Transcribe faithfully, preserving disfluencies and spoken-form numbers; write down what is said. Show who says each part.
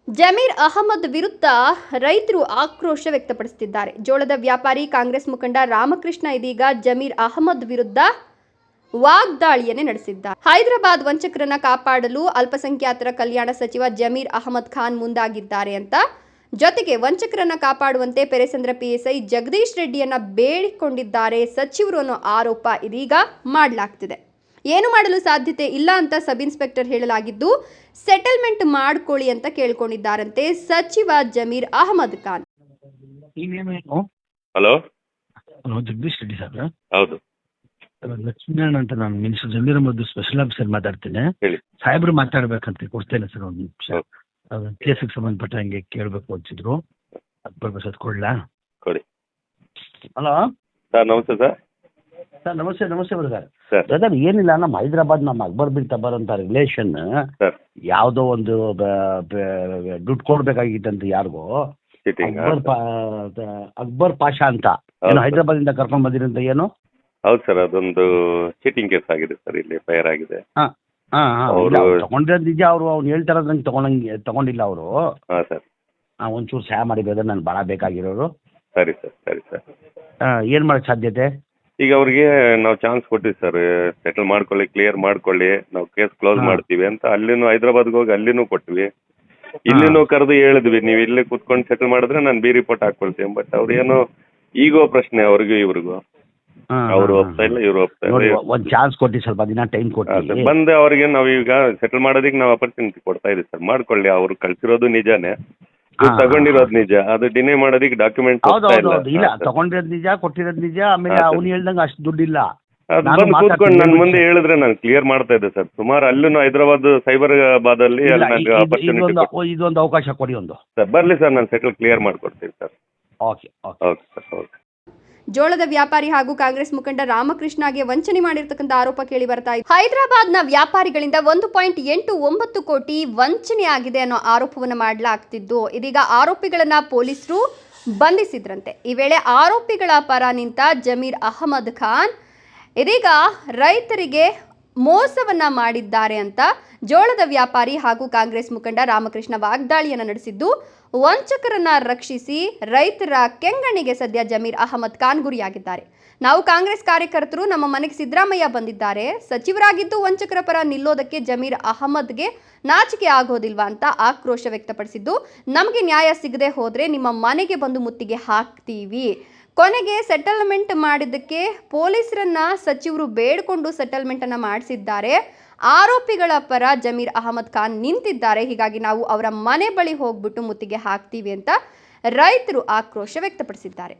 Speaker 1: ಜಮೀರ್ ಅಹಮದ್ ವಿರುದ್ಧ ರೈತರು ಆಕ್ರೋಶ ವ್ಯಕ್ತಪಡಿಸುತ್ತಿದ್ದಾರೆ. ಜೋಳದ ವ್ಯಾಪಾರಿ ಕಾಂಗ್ರೆಸ್ ಮುಖಂಡ ರಾಮಕೃಷ್ಣ ಇದೀಗ ಜಮೀರ್ ಅಹಮದ್ ವಿರುದ್ಧ ವಾಗ್ದಾಳಿಯನ್ನೇ ನಡೆಸಿದ್ದಾರೆ. ಹೈದರಾಬಾದ್ ವಂಚಕರನ್ನ ಕಾಪಾಡಲು ಅಲ್ಪಸಂಖ್ಯಾತರ ಕಲ್ಯಾಣ ಸಚಿವ ಜಮೀರ್ ಅಹಮದ್ ಖಾನ್ ಮುಂದಾಗಿದ್ದಾರೆ ಅಂತ, ಜೊತೆಗೆ ವಂಚಕರನ್ನ ಕಾಪಾಡುವಂತೆ ಪೆರೆಸಂದ್ರ ಪಿಎಸ್ಐ ಜಗದೀಶ್ ರೆಡ್ಡಿಯನ್ನ ಬೇಡಿಕೊಂಡಿದ್ದಾರೆ ಸಚಿವರು ಅನ್ನೋ ಆರೋಪ ಇದೀಗ ಮಾಡಲಾಗ್ತಿದೆ. ಏನು ಮಾಡಲು ಸಾಧ್ಯತೆ ಇಲ್ಲ ಅಂತ ಸಬ್ ಇನ್ಸ್ಪೆಕ್ಟರ್ ಹೇಳಲಾಗಿದ್ದು, ಸೆಟಲ್ಮೆಂಟ್ ಮಾಡ್ಕೊಳ್ಳಿ ಅಂತ ಕೇಳ್ಕೊಂಡಿದ್ದಾರಂತೆ ಸಚಿವ Zameer Ahmed Khan.
Speaker 2: Hello
Speaker 3: hello Jagadish Reddy sir.
Speaker 2: ಹೌದು
Speaker 3: ಲಕ್ಷ್ಮೀನಾರಾಯಣ ಅಂತ ನಾನು minister Zameer Ahmed special officer ಮಾತಾಡ್ತೇನೆ.
Speaker 2: ಹೇಳಿ.
Speaker 3: ಸಾಹೇಬ್ರು ಮಾತಾಡ್ಬೇಕಂತ ಕೊಡ್ತೇನೆ ಸರ್ ಒಂದು ನಿಮಿಷ. ಕೇಸಿಗೆ ಸಂಬಂಧಪಟ್ಟ ಹಂಗೆ ಕೇಳಬೇಕು ಅಂತಿದ್ರು, ಅದು ಬರ್ಬೇಕು ಕೊಡ್ಲಾ?
Speaker 2: ಕೊಡಿ.
Speaker 3: ಹಲೋ
Speaker 2: ಸರ್, ನಮಸ್ತೆ ಸರ್.
Speaker 3: ಸರ್ ನಮಸ್ತೆ. ನಮಸ್ತೆ ಬ್ರದರ್.
Speaker 2: ಸರ್
Speaker 3: ಬ್ರದರ್ ಏನಿಲ್ಲ, ನಮ್ಮ ಹೈದರಾಬಾದ್ ನಮ್ಮ ಅಕ್ಬರ್ ಬಿನ್ ತಬರ್ ಅಂತ ರಿಲೇಷನ್
Speaker 2: ಸರ್
Speaker 3: ಯಾವುದೋ ಒಂದು ಬ- ಬ- ದುಡ್ಡು ಕೊಡ್ಬೇಕಾಗಿತ್ತಂತ ಯಾರಿಗೋ
Speaker 2: ಚೀಟಿಂಗ್.
Speaker 3: ಅಕ್ಬರ್ ಪಾ- ಅಕ್ಬರ್ ಪಾಷಾ ಅಂತ
Speaker 2: ಹೌದು
Speaker 3: ಏನು
Speaker 2: ಸರ್.
Speaker 3: ಹೈದರಾಬಾದ್ ಇಂದ ಕರ್ಕೊಂಡ್ ಬಂದಿರಂತ ಏನು?
Speaker 2: ಹೌದು ಸರ್, ಅದೊಂದು ಚೀಟಿಂಗ್ ಕೇಸ್ ಆಗಿದೆ ಸರ್, ಇಲ್ಲಿ ಫೈರ್ ಆಗಿದೆ.
Speaker 3: ಹಾ ಹಾ ಹಾ
Speaker 2: ಅವ್ರು-
Speaker 3: ತಗೊಂಡಿರೋದು ನಿಜ. ಅವರು ಅವ್ನು ಹೇಳ್ತಾರ ನಂಗೆ ತಗೊಂಡಂಗೆ ತಗೊಂಡಿಲ್ಲ ಅವರು.
Speaker 2: ಹಾಂ ಸರ್,
Speaker 3: ಒಂಚೂರು ಸಹಾಯ ಮಾಡಿ ಬ್ರದರ್, ನಾನು ಭಾಳ ಬೇಕಾಗಿರೋರು.
Speaker 2: ಸರಿ ಸರ್, ಸರಿ ಸರ್.
Speaker 3: ಏನು ಮಾಡಕ್ಕೆ ಸಾಧ್ಯತೆ?
Speaker 2: ಈಗ ಅವ್ರಿಗೆ ನಾವು ಚಾನ್ಸ್ ಕೊಟ್ಟಿವಿ ಸರ್, ಸೆಟಲ್ ಮಾಡ್ಕೊಳ್ಳಿ, ಕ್ಲಿಯರ್ ಮಾಡ್ಕೊಳ್ಳಿ, ನಾವು ಕೇಸ್ ಕ್ಲೋಸ್
Speaker 3: ಹಾ.
Speaker 2: ಮಾಡ್ತೀವಿ ಅಂತ. ಅಲ್ಲಿನೂ ಹೈದರಾಬಾದ್ಗೆ ಹೋಗಿ ಅಲ್ಲಿನೂ ಕೊಟ್ವಿ, ಇಲ್ಲಿನೂ ಕರೆದು ಹೇಳಿದ್ವಿ, ನೀವು ಇಲ್ಲಿ ಕುತ್ಕೊಂಡು ಸೆಟಲ್ ಮಾಡಿದ್ರೆ ನಾನು ಬಿ ರಿಪೋರ್ಟ್ ಹಾಕೊಳ್ತೀನಿ. ಬಟ್ ಅವ್ರು ಏನೋ ಈಗೋ ಪ್ರಶ್ನೆ ಅವ್ರಿಗೂ ಇವ್ರಿಗೂ,
Speaker 3: ಹಾ,
Speaker 2: ಅವರು
Speaker 3: ಹಾ,
Speaker 2: ಒಪ್ತಾ ಇಲ್ಲ, ಇವ್ರು ಒಪ್ತಾ
Speaker 3: ನೋಡಿ,
Speaker 2: ಇಲ್ಲ.
Speaker 3: ಒಂದು ಚಾನ್ಸ್ ಕೊಟ್ಟು ಸ್ವಲ್ಪ ದಿನ ಟೈಮ್
Speaker 2: ಹಾ,
Speaker 3: ಕೊಟ್ಟು
Speaker 2: ಸರ್, ಬಂದು ಅವ್ರಿಗೆ ನಾವು ಈಗ ಸೆಟಲ್ ಮಾಡೋದಕ್ಕೆ ನಾವು ಅಪರ್ಚುನಿಟಿ ಕೊಡ್ತಾ ಇದೀವಿ ಸರ್. ಮಾಡ್ಕೊಳ್ಳಿ, ಅವ್ರು ಕಳ್ಸಿರೋದು ನಿಜಾನೇ, ಇವ್ರು
Speaker 3: ಹಾ,
Speaker 2: ತಗೊಂಡಿರೋದು ನಿಜ, ಅದು ಡಿನೇ ಮಾಡೋದಕ್ಕೆ ಡಾಕ್ಯುಮೆಂಟ್
Speaker 3: ಹೌದು ಹೌದು ಹೌದು. ಇಲ್ಲ, ತಗೊಂಡಿರೋದು ನಿಜ, ಕೊಟ್ಟಿರೋದು ನಿಜ. ಆಮೇಲೆ
Speaker 2: ಹಾ, ಸರ್.
Speaker 3: ಅವ್ನು ಹೇಳ್ದಂಗೆ ಅಷ್ಟು ದುಡ್ಡಿಲ್ಲ.
Speaker 2: ಅದು
Speaker 3: ನಾನು
Speaker 2: ಬಂದು ಕೂತ್ಕೊಂಡು
Speaker 3: ಮಾತಾಡ್ತೀನಿ,
Speaker 2: ನನ್ನ ಮುಂದೆ
Speaker 3: ವಿಷಯ-
Speaker 2: ಹೇಳಿದ್ರೆ ನಾನು ಕ್ಲಿಯರ್ ಮಾಡ್ತಾ ಇದ್ದೆ ಸರ್. ಸುಮಾರು ಅಲ್ಲೂ ಹೈದರಾಬಾದ್ ಸೈಬರಾಬಾದ್ ಅಲ್ಲಿ
Speaker 3: ಇಲ್ಲ,
Speaker 2: ಅಲ್ಲಿ
Speaker 3: ಇ-
Speaker 2: ನನಗೆ
Speaker 3: ಇದು-
Speaker 2: ಅಪರ್ಚುನಿಟಿ
Speaker 3: ಇದೊಂದು ಇದೊಂದು ಅವಕಾಶ ಕೊಡಿ ಒಂದು.
Speaker 2: ಸರ್. ಬರಲಿ ಸರ್, ನಾನು ಸೆಟಲ್ ಕ್ಲಿಯರ್ ಮಾಡ್ಕೊಡ್ತೀನಿ sir.
Speaker 3: Okay okay.
Speaker 2: Okay sir, okay.
Speaker 1: ಜೋಳದ ವ್ಯಾಪಾರಿ ಹಾಗೂ ಕಾಂಗ್ರೆಸ್ ಮುಖಂಡ ರಾಮಕೃಷ್ಣಗೆ ವಂಚನೆ ಮಾಡಿರ್ತಕ್ಕಂಥ ಆರೋಪ ಕೇಳಿ ಬರ್ತಾ ಇದೆ. ಹೈದರಾಬಾದ್ನ ವ್ಯಾಪಾರಿಗಳಿಂದ ಒಂದು ಪಾಯಿಂಟ್ ಎಂಟು ಒಂಬತ್ತು ಕೋಟಿ ವಂಚನೆ ಆಗಿದೆ ಅನ್ನೋ ಆರೋಪವನ್ನು ಮಾಡಲಾಗ್ತಿದ್ದು, ಇದೀಗ ಆರೋಪಿಗಳನ್ನ ಪೊಲೀಸರು ಬಂಧಿಸಿದ್ರಂತೆ. ಈ ವೇಳೆ ಆರೋಪಿಗಳ ಪರ ನಿಂತ ಜಮೀರ್ ಅಹಮದ್ ಖಾನ್ ಇದೀಗ ರೈತರಿಗೆ ಮೋಸವನ್ನ ಮಾಡಿದ್ದಾರೆ ಅಂತ ಜೋಳದ ವ್ಯಾಪಾರಿ ಹಾಗೂ ಕಾಂಗ್ರೆಸ್ ಮುಖಂಡ ರಾಮಕೃಷ್ಣ ವಾಗ್ದಾಳಿಯನ್ನು ನಡೆಸಿದ್ದು, ವಂಚಕರನ್ನ ರಕ್ಷಿಸಿ ರೈತರ ಕೆಂಗಣ್ಣಿಗೆ ಸದ್ಯ ಜಮೀರ್ ಅಹಮದ್ ಖಾನ್ ಗುರಿಯಾಗಿದ್ದಾರೆ. ನಾವು ಕಾಂಗ್ರೆಸ್ ಕಾರ್ಯಕರ್ತರು, ನಮ್ಮ ಮನೆಗೆ ಸಿದ್ದರಾಮಯ್ಯ ಬಂದಿದ್ದಾರೆ, ಸಚಿವರಾಗಿದ್ದು ವಂಚಕರ ಪರ ನಿಲ್ಲೋದಕ್ಕೆ ಜಮೀರ್ ಅಹಮದ್ಗೆ ನಾಚಿಕೆ ಆಗೋದಿಲ್ವಾ ಅಂತ ಆಕ್ರೋಶ ವ್ಯಕ್ತಪಡಿಸಿದ್ದು, ನಮಗೆ ನ್ಯಾಯ ಸಿಗದೆ ಹೋದ್ರೆ ನಿಮ್ಮ ಮನೆಗೆ ಬಂದು ಮುತ್ತಿಗೆ ಹಾಕ್ತೀವಿ. ಕೊನೆಗೆ ಸೆಟಲ್ಮೆಂಟ್ ಮಾಡಿದ್ದಕ್ಕೆ ಪೊಲೀಸರನ್ನ ಸಚಿವರು ಬೇಡಿಕೊಂಡು ಸೆಟಲ್ಮೆಂಟ್ ಅನ್ನ ಮಾಡಿಸಿದ್ದಾರೆ. ಆರೋಪಿಗಳ ಪರ ಜಮೀರ್ ಅಹಮದ್ ಖಾನ್ ನಿಂತಿದ್ದಾರೆ. ಹೀಗಾಗಿ ನಾವು ಅವರ ಮನೆ ಬಳಿ ಹೋಗ್ಬಿಟ್ಟು ಮುತ್ತಿಗೆ ಹಾಕ್ತೀವಿ ಅಂತ ರೈತರು ಆಕ್ರೋಶ ವ್ಯಕ್ತಪಡಿಸಿದ್ದಾರೆ.